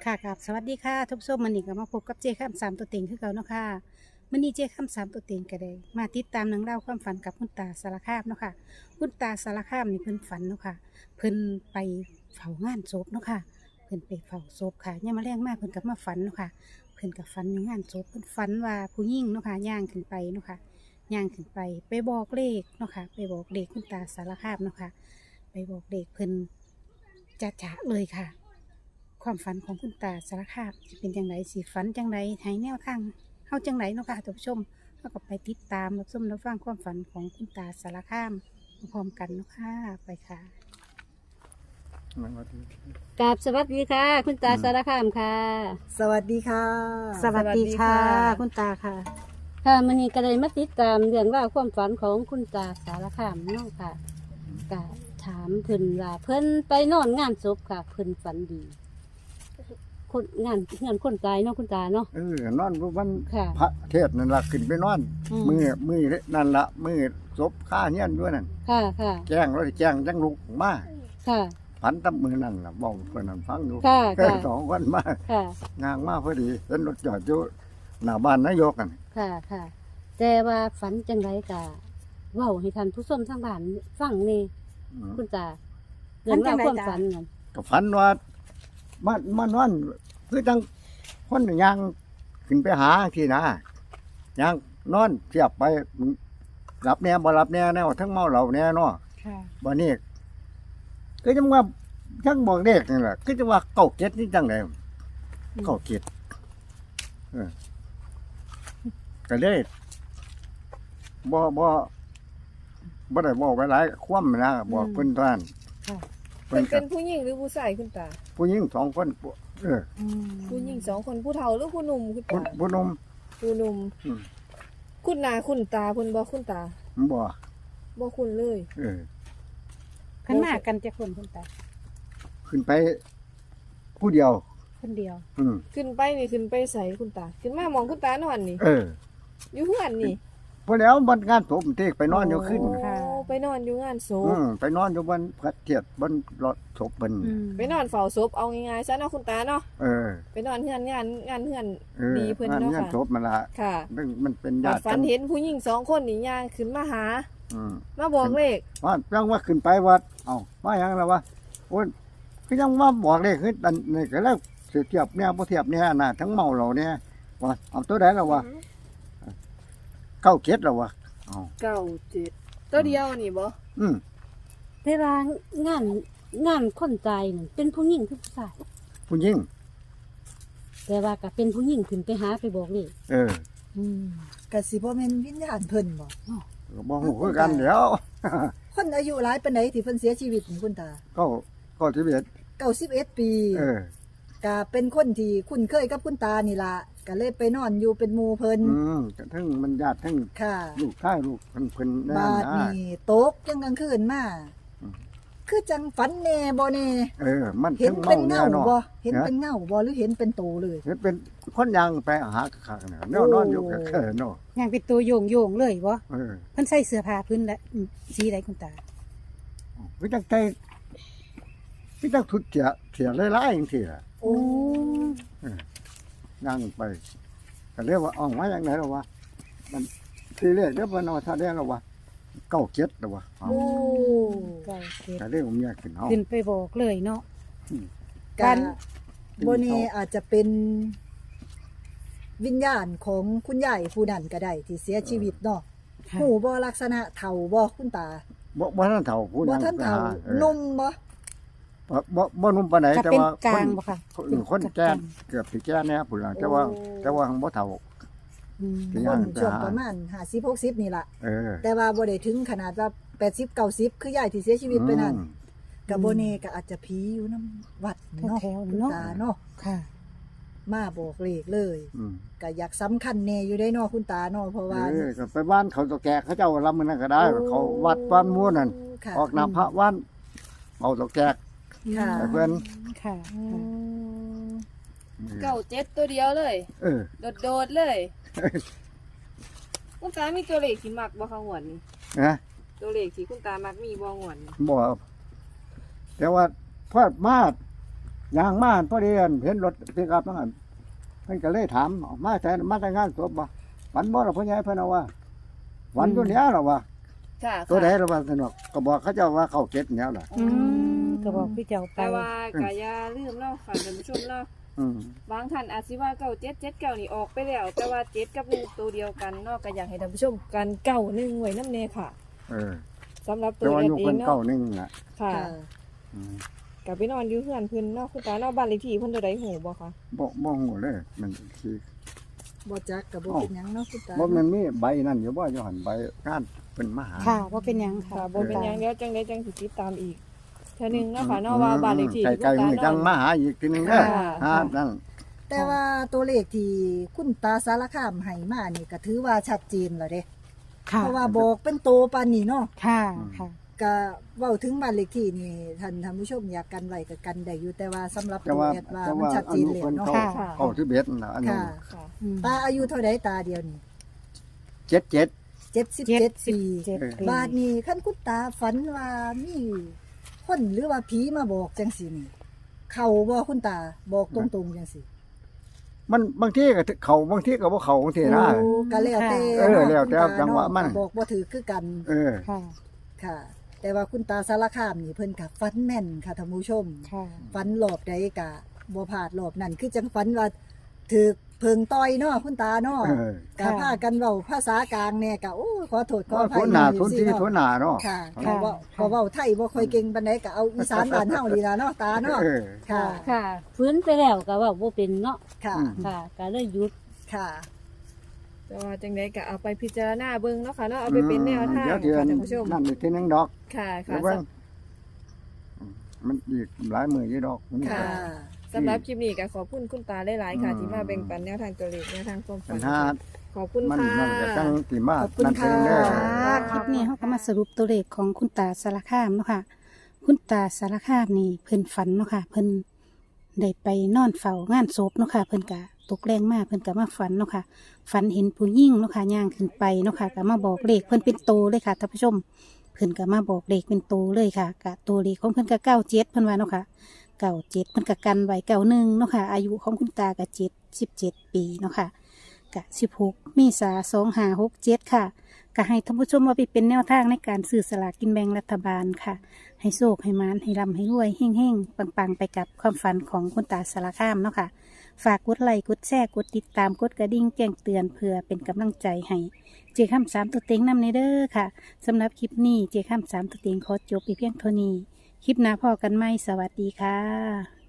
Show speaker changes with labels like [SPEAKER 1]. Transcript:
[SPEAKER 1] ค่ะครับสวัสดีค่ะทุกท่านมันนี่ก็มาพบกับเจ้ข้ามสามตัวเต็งคือเก่าเนาะค่ะมันนี่เจ้ข้ามสามตัวเต็งก็ได้มาติดตามหนังเล่องราวความฝันกับคุณตาสารคามเนาะค่ะคุณตาสารคามนี่เพิ่นฝันเนาะค่ะเพิ่นไปเฝ้างานศพเนาะค่ะเพิ่นไปเฝ้าศพค่ะเนี่ยามมาแรงมากเพิ่นกับมาฝันเนาะค่ะเพิ่นกับฝันอยู่งานศพเพิ่นฝันว่าผู้หญิงเนาะค่ะย่างขึ้นไปเนาะค่ะย่างขึ้นไปไปบอกเลขเนาะค่ะไปบอกเลขคุณตาสารคามเนาะค่ะไปบอกเลขเพิ่นจะเลยค่ะ ความฝันของคุณตาสารคามจะเป็นจังไรสิฝันจังไรให้แนวทางเฮาจังไรเนาะค่ะท่านผู้ชมเฮาก็ไปติดตามรับชมรับฟังความฝันของคุณตาสารคามพร้อมๆกันเนาะค่ะไปค่ะ
[SPEAKER 2] มันว่าดี
[SPEAKER 3] กราบสวัสดีค่ะ คุณตาสารคามค่ะ
[SPEAKER 4] สวัสดีค่ะ
[SPEAKER 1] สวัสดีค่ะ
[SPEAKER 4] สวัสดีค่ะ
[SPEAKER 1] คุณตาค่ะ
[SPEAKER 3] ค่ะมันนี้ก็เลยมาติดตามเรื่องราวความฝันของคุณตาสารคามเนาะค่ะก็ถามเพิ่นว่าเพิ่นไปนอนงานศพค่ะเพิ่นฝันดีคนงานคนตายเนาะคุณตาเนาะ
[SPEAKER 2] นอนวัน
[SPEAKER 3] ค่ะ
[SPEAKER 2] พระเทศนั่นล่ะขึ้นไปนอน มือนั่นละมือศพข้าเฮียนด้วยนั่น
[SPEAKER 3] ค่ะค่ะ
[SPEAKER 2] แจ้งแล้วแจ้งจังลุกมา
[SPEAKER 3] ค่ะ
[SPEAKER 2] พันตำมือนั่นล่ะบอกเพิ่นนั่นฟังอยู่
[SPEAKER 3] ค่ะค่ะ
[SPEAKER 2] สองวันมา
[SPEAKER 3] ค่ะ
[SPEAKER 2] งางมาพอดีเห็นรถจอดอยู่หน้าบ้านนายกกัน
[SPEAKER 3] ค่ะค่ะ แต่ว่าฝันจังไรกะเว้าให้ท่านผู้ชมทางบ้านฟังนี่คุณตาเรื่องราวความฝันนั่น
[SPEAKER 2] ก็ฝันว่ามานอนคือจังคนยางขึ้นไปหาที่นะยางนอนเทียบไปหลับแน่บ่หลับแน่แน่ทั้งเมาเหล้าแน่เนาะ
[SPEAKER 1] ค่ะ
[SPEAKER 2] บ่นี้ก็จังว่าจังบอกเด็กนี่แหละคือจังว่าเก้าเจ็ดนี่จังได๋เก้าเจ็ดก็เลยบ่ได้บอกไว้หลายคว่ำนะบอกเพิ่นท่าน
[SPEAKER 1] ค่ะ
[SPEAKER 2] เพิ่
[SPEAKER 4] เป็น น
[SPEAKER 2] ก็
[SPEAKER 4] เป็นผู้หญิงหรือผู้ชายคุณตา
[SPEAKER 2] ผู้หญิงสองคนเออ
[SPEAKER 4] ผู้หญิงสองคนผู้เฒ่าหรือผู้หนุ่มคุณตา
[SPEAKER 2] ผู้หนุ่ม
[SPEAKER 4] ผู้หนุ่ม
[SPEAKER 2] อืม
[SPEAKER 4] คุณนาคุณตาเพิ่นบ่คุณตา
[SPEAKER 2] บ่
[SPEAKER 4] บ่คุณเลย
[SPEAKER 2] เออ
[SPEAKER 1] เพิ่นมากันจะคนคุณตา
[SPEAKER 2] ขึ้นไปผู้เดียว
[SPEAKER 1] คนเดียว
[SPEAKER 4] ขึ้นไปนี่ขึ้นไปใส่คุณตา ขึ้นมามองคุณตานอนนี่
[SPEAKER 2] เออ
[SPEAKER 4] อยู่เฮือนนี่
[SPEAKER 2] พอแล้วบนงานศพเทกไปนอนอยู่ขึ้น
[SPEAKER 4] โไปนอนอยู่งานศพ
[SPEAKER 2] ไปนอนอยู่บนพระเทียบบนรถศพเพิ่น
[SPEAKER 4] ไปนอนเฝ้าศพเอาง่ายๆซะเนาะคุณตาเนาะ
[SPEAKER 2] เออ
[SPEAKER 4] ไปนอนเฮือนงานเฮือน
[SPEAKER 2] เออ
[SPEAKER 4] ดีเพิ่น
[SPEAKER 2] งาน
[SPEAKER 4] เนาะ
[SPEAKER 2] งาน
[SPEAKER 4] ค่ะ
[SPEAKER 2] ศพมันละ
[SPEAKER 4] ค่ะ
[SPEAKER 2] มันเป็น
[SPEAKER 4] บั
[SPEAKER 2] ญา
[SPEAKER 4] ด
[SPEAKER 2] ติ
[SPEAKER 4] ฝันเห็นผู้หญิงสองคนนี่ย่างขึ้นมาหา
[SPEAKER 2] อืม
[SPEAKER 4] มาบอกเลข
[SPEAKER 2] ว่าจังว่าขึ้นไปวัดเอ้าว่าหยังล่ะวะโอ้ยคือจังว่าบอกเลยคืออันนี่ก็แล้วสิเทียบเนี่ยบ่เทียบเนี่ยน่ะทั้งเมาเหล่าเนี่ยว่าเอาตัวใดล่ะวะเก้าเจ็ดล่ะวะเอ้า
[SPEAKER 4] 97ตัวเดียวนี่บ่
[SPEAKER 2] อืม
[SPEAKER 3] เวลางานคนตายนั่นเป็นผู้หญิงคือผู้ชาย
[SPEAKER 2] ผู้หญิง
[SPEAKER 3] แต่ว่าก็เป็นผู้หญิงขึ้นไปหาไปบอกนี่
[SPEAKER 2] เออ
[SPEAKER 4] กะสิบ่แม่นวิญญาณเพิ่นบ่
[SPEAKER 2] ก็บ่ฮู้คือกันเดี๋ยว
[SPEAKER 4] คนอายุหลายปานใดที่เพิ่นเสียชีวิตนี่คุณตา
[SPEAKER 2] ก็ที่เบ็ด
[SPEAKER 4] 91 ปี
[SPEAKER 2] เออ
[SPEAKER 4] ก็เป็นคนที่คุ้นเคยกับคุณตานี่ล่ะก็เลยไปนอนอยู่เป็นหมู่เพิ่น
[SPEAKER 2] ก็ทั้งมันญาติทั้ง
[SPEAKER 4] ค่ะ
[SPEAKER 2] ลูกชายลูกเพิ่นแน่
[SPEAKER 4] บาด
[SPEAKER 2] นะ
[SPEAKER 4] นี่ตกยังกลางคืนมา
[SPEAKER 2] อืม
[SPEAKER 4] คือจังฝันแน่บ่แน่
[SPEAKER 2] เออ มัน
[SPEAKER 4] เห็น
[SPEAKER 2] ทั้ง
[SPEAKER 4] เป็น
[SPEAKER 2] เมา
[SPEAKER 4] เงา
[SPEAKER 2] แน่เนาะ
[SPEAKER 4] บ่เห็นเป็นเงาบ่หรือเห็นเป็นโตเลย
[SPEAKER 2] เห็นเป็นคนยังไปหาคักๆน่ะแนวนอนอยู่ก็เเนาะ
[SPEAKER 1] ย่างเป็นตัวโยงเลยบ่
[SPEAKER 2] เออ
[SPEAKER 1] เพิ่นใส่เสื้อผ้าพื้นและสีใดคุณตา
[SPEAKER 2] วิจังใจวิจังทุดเสียหลายๆจังซี่ล่ะ
[SPEAKER 4] โอ้
[SPEAKER 2] นั่งไปก็เรียกว่าออกมาอย่างไหนล่ะวะมันทีแรกเดี๋ยวเพิ่นเอาท่าแดงแล้ววะเก้าเจ็ดแล้ววะเอา
[SPEAKER 4] โอ้
[SPEAKER 1] เก้าเจ็ด
[SPEAKER 2] ก็เรียกว่าเมียขึ้นเฮา
[SPEAKER 1] ขึ้นไปบอกเลยเนาะ
[SPEAKER 4] กะบ่แน่อาจจะเป็นวิญญาณของคุณยายผู้นั้นก็ได้ที่เสียชีวิตเนาะ
[SPEAKER 1] ค่ะ
[SPEAKER 4] หูบ่ลักษณะเฒ่าบ่คุณตา
[SPEAKER 2] บ่ทันเฒ่าผู้
[SPEAKER 4] บ่
[SPEAKER 2] ยัง
[SPEAKER 4] ทัน
[SPEAKER 2] ไป
[SPEAKER 4] เฒ่า
[SPEAKER 2] หาเออ
[SPEAKER 4] นุ่มบ่
[SPEAKER 2] บ่นุ่มปานใด
[SPEAKER 1] ก็
[SPEAKER 2] แต่
[SPEAKER 1] เป็น
[SPEAKER 2] ว่าก
[SPEAKER 1] ลางบ่ค่ะ
[SPEAKER 2] คนแก่เกือบสิแก่แน่พุ่นล่ะแต่ว่าหังบ่เฒ่า
[SPEAKER 1] อืม
[SPEAKER 2] เป็น
[SPEAKER 4] ค
[SPEAKER 2] ย่าง
[SPEAKER 4] น
[SPEAKER 2] ไป
[SPEAKER 4] ช่วง
[SPEAKER 2] หา
[SPEAKER 4] ประมาณ50 60นี่ล่ะ
[SPEAKER 2] เออ
[SPEAKER 4] แต่ว่าบ่ได้ถึงขนาดว่า80 90คือยายที่เสียชีวิตไปนั่น
[SPEAKER 2] อืม
[SPEAKER 4] ก็บ่แน่ก็อาจจะผีอยู่นํวัดเนาะ
[SPEAKER 1] แถวๆ
[SPEAKER 4] คุณ
[SPEAKER 1] เนาะ
[SPEAKER 4] ตาเนาะ
[SPEAKER 1] ค่ะ
[SPEAKER 4] มาบอกเลขเลย
[SPEAKER 2] อืม
[SPEAKER 4] ก็อยากสำคัญแน่อยู่ได้เนาะคุณตาเนาะเพราะว่า
[SPEAKER 2] ก็ไปบ้านเขาตะแกเขาเจ้าลำมันนั่นก็ได้ เขาวัดบ้านม่วนนั่น
[SPEAKER 4] ค่ะ
[SPEAKER 2] ออกน้ำพระวันเอาตะแก
[SPEAKER 4] ค่ะ
[SPEAKER 2] ไปเพิ่น
[SPEAKER 1] ค่ะ
[SPEAKER 4] เก้าเจ็ดตัวเดียวเลย
[SPEAKER 2] เออ
[SPEAKER 4] โดดๆเลยคุณตามีตัวเลขที่มักบ่คะหวนนี่
[SPEAKER 2] นะ
[SPEAKER 4] ตัวเลขที่คุณตามักมีบ่หวนนี่
[SPEAKER 2] บ่แต่ว่าพอดมายางมาพอดีเห็นรถปิกอัพนั่นเพิ่นก็เลยถามมาแต่มาแต่งานศพบ่ฝันบ่ล่ะพ่อใหญ่เพิ่นเอาว่าฝันตัวเนี้ยหรอวะ
[SPEAKER 5] ค่ะ
[SPEAKER 2] ตัวใดหรอวะสนุกก็บอกเขาเจ้าว่าเข้าเก็ดแนวล่ะ
[SPEAKER 1] ก็บอกพี่เจ้าไป
[SPEAKER 5] แต่ว่ากะอย่าลืมเนาะค่ะท่านผู้ชมเนาะ
[SPEAKER 2] อืม
[SPEAKER 5] บางท่านอาจสิว่าเก้าเจ็ดเจ็ดเก้านี่ออกไปแล้ว แต่ว่าเจ็ดกับหนึ่งตัวเดียวกันเนาะก็อยากให้ท่านผู้ชมกันเก้าหนึ่งไว้น้ำเนค่ะ
[SPEAKER 2] เออ
[SPEAKER 5] สำหรับตั
[SPEAKER 2] แต่
[SPEAKER 5] ว
[SPEAKER 2] ว่า
[SPEAKER 5] เอ
[SPEAKER 2] อยู่
[SPEAKER 5] ง
[SPEAKER 2] เพิ่น
[SPEAKER 5] เนาะ
[SPEAKER 2] เก้าหนึงน่ะ
[SPEAKER 5] ค่ะ
[SPEAKER 4] ค่ะ
[SPEAKER 2] อืม
[SPEAKER 5] กลับไปนอนอยู่เพื่อนเพิ่นเนาะคุณตาเนาะบ้านเลขที่เพิ่นตัวใดหูบ่คะ
[SPEAKER 2] บ่ฮู้เลยมันสิ
[SPEAKER 4] บ่จักก็บ่เป็นหยังเนาะคุณตา
[SPEAKER 2] บ่มันมีใบนั่นอยู่บ่อยู่หั่นใบงานเพิ่นมาหา
[SPEAKER 1] ค่ะว่าเป็นหยังค่ะ
[SPEAKER 5] ค่ะบ่เป็นหยังเดี๋ยวจังไดจังสิติดตามอีกเทื่อหนึงเนาะค่ะเนาะว่าบ้านเลขที่
[SPEAKER 2] ใกล้ๆนี่จังมาหาอีกทีนึงเด้อ
[SPEAKER 5] ค่ะ
[SPEAKER 2] หานั่น
[SPEAKER 4] แต่ว่าตัวเลขที่คุณตาสารคามให้มานี่ก็ถือว่าชัดเจนแล้วเด้
[SPEAKER 1] ค่ะ
[SPEAKER 4] เพราะว่าบอกเป็นโตปานนี้เนาะ
[SPEAKER 1] ค่ะค่ะ
[SPEAKER 4] ก็เว้าถึงบ้านเลขที่นี่ท่านผู้ชมอยากกันไว้ก็กันได้อยู่แต่ว่าสำหรับ
[SPEAKER 2] แต่
[SPEAKER 4] ตัว
[SPEAKER 2] ว่า
[SPEAKER 4] แอดว่า
[SPEAKER 2] แต่
[SPEAKER 4] มัน
[SPEAKER 2] ว่า
[SPEAKER 4] ชัด
[SPEAKER 2] อั
[SPEAKER 4] เจ
[SPEAKER 2] น
[SPEAKER 4] น
[SPEAKER 2] นี้
[SPEAKER 4] แล้ว
[SPEAKER 2] เพิ่น
[SPEAKER 4] เนาะ
[SPEAKER 2] เข้า
[SPEAKER 1] ค่ะ
[SPEAKER 2] เข้าที่เบ็ดนั่นล่ะอันนี้
[SPEAKER 4] ค่ะ
[SPEAKER 5] ค่ะ
[SPEAKER 1] อืม
[SPEAKER 4] ตาอายุเท่าใดตาเดียวนี่
[SPEAKER 2] 77
[SPEAKER 4] 77ปี
[SPEAKER 1] เจ็ดปี
[SPEAKER 4] บาดนี้คันคุณตาฝันว่ามีคนหรือว่าผีมาบอกจังซี่นี่เข้าบ่คุณตาบอกตรงๆจังซี่
[SPEAKER 2] มันบางทีก็เข้าบางทีก็บ่เข้าบางทีนะ
[SPEAKER 4] โอ้ก็แล้วแต่
[SPEAKER 2] เออแล้วแต่
[SPEAKER 4] คุณา
[SPEAKER 2] จังหวะมัน
[SPEAKER 4] เาบอกบ่ถือคือกัน
[SPEAKER 2] เออ
[SPEAKER 1] ค่ะ
[SPEAKER 4] ค่ะ แต่ว่าคุณตาสารคามนี่เพิ่นก็ฝันแม่นค่ะท่านผู้ชม
[SPEAKER 1] ค่ะ
[SPEAKER 4] ฝันรอบใดก็บ่พลาดรอบนั้นคือจังฝันว่าถูกเพิงต่อยเนาะคุณตาเนาะ
[SPEAKER 2] เออ
[SPEAKER 4] ก็พากันเว้าภาษากลางแน่ก็โอ้ขอโทษขออภั
[SPEAKER 2] ทุ
[SPEAKER 4] ย
[SPEAKER 2] นหน้า
[SPEAKER 4] อยู่
[SPEAKER 2] ทุน
[SPEAKER 4] สิ
[SPEAKER 2] ที่
[SPEAKER 4] เนาะ
[SPEAKER 2] ทุนหน้าเนาะ
[SPEAKER 4] ค่ะ
[SPEAKER 1] ค่ะ
[SPEAKER 4] ก็เว้าไทยบ่ค่อยเก่งปานใดก็เอาอีสานบ้านเฮานี่ล่ะเนาะตาเนาะ
[SPEAKER 2] เออ
[SPEAKER 4] ค่ะ
[SPEAKER 3] ค่ะฟื้นไปแล้วก็เว่าบ่เป็นเนาะ
[SPEAKER 4] ค่ะ
[SPEAKER 2] อืม
[SPEAKER 3] ค่ะก็เลยหยุด
[SPEAKER 4] ค่ะ
[SPEAKER 5] แต่ว่าจังไดก็เอาไปพิจารณาเบิ่งเนาะค่ะเนาะเอาไปเป็นแนวทาง
[SPEAKER 2] เดี๋ยวเทื่อ
[SPEAKER 5] ค่ะท่านผู้ชม
[SPEAKER 2] นั่นอีกทีนึงดอก
[SPEAKER 5] ค่ะ
[SPEAKER 2] เดี๋
[SPEAKER 5] ค่ะ
[SPEAKER 2] ยวเบิ่งมันอีกหลายมื้ออยู่ดอกมัน
[SPEAKER 5] ค่ะ
[SPEAKER 4] ค่ะ
[SPEAKER 5] สำหรับคลิปนี้ก็ขอบคุณคุณตาหลายๆค่ะ ที่มาแบ่งปันแนวทางตัวเลขแนวทางความ
[SPEAKER 2] ปั
[SPEAKER 5] ฝั
[SPEAKER 2] ญ
[SPEAKER 5] น
[SPEAKER 2] หา
[SPEAKER 5] ขอบคุณ
[SPEAKER 2] มัน
[SPEAKER 5] ค่ะ
[SPEAKER 2] นั่นก็จังสิมา
[SPEAKER 4] ขอบคุณ
[SPEAKER 2] นั่นเองเด้อ
[SPEAKER 4] ค่ะ
[SPEAKER 1] คลิปนี้เขาก็มาสรุปตัวเลขของคุณตาสารคามเนาะค่ะ คุณตาสารคามนี่เพิ่นฝันเนาะค่ะ เพิ่นได้ไปนอนเฝ้างานศพเนาะค่ะ เพิ่นกะตกแรงมากเพิ่นกะมาฝันเนาะค่ะ ฝันเห็นผู้หญิงเนาะค่ะย่างขึ้นไปเนาะค่ะกะมาบอกเลขเพิ่นเป็นโตเลยค่ะท่านผู้ชม เพิ่นกะมาบอกเลขเป็นโตเลยค่ะกะตัวเลขของเพิ่นกะ97เพิ่นว่าเนาะค่ะ97เพิ่นกะกันไว้91เนาะค่ะ อายุของคุณตากะ77ปีเนาะค่ะกะ16เมษายน2567ค่ะ ก็ให้ท่านผู้ชมว่าไปเป็นแนวทางในการซื้อสลากกินแบ่งรัฐบาลค่ะ ให้โชคให้มานให้ร่ำให้รวยเฮ่งๆปังๆ ไปกับความฝันของคุณตาสารคามเนาะค่ะ ฝากกดไลค์กดแชร์กดติดตามกดกระดิ่งแจ้งเตือนเพื่อเป็นกำลังใจให้เจาข้ามสามตัวเต็งนำในเด้อค่ะสำหรับคลิปนี้เจาข้ามสามตัวเต็งขอจบไปเพียงเท่านี้ คลิปหน้าพอกันไหมสวัสดีค่ะ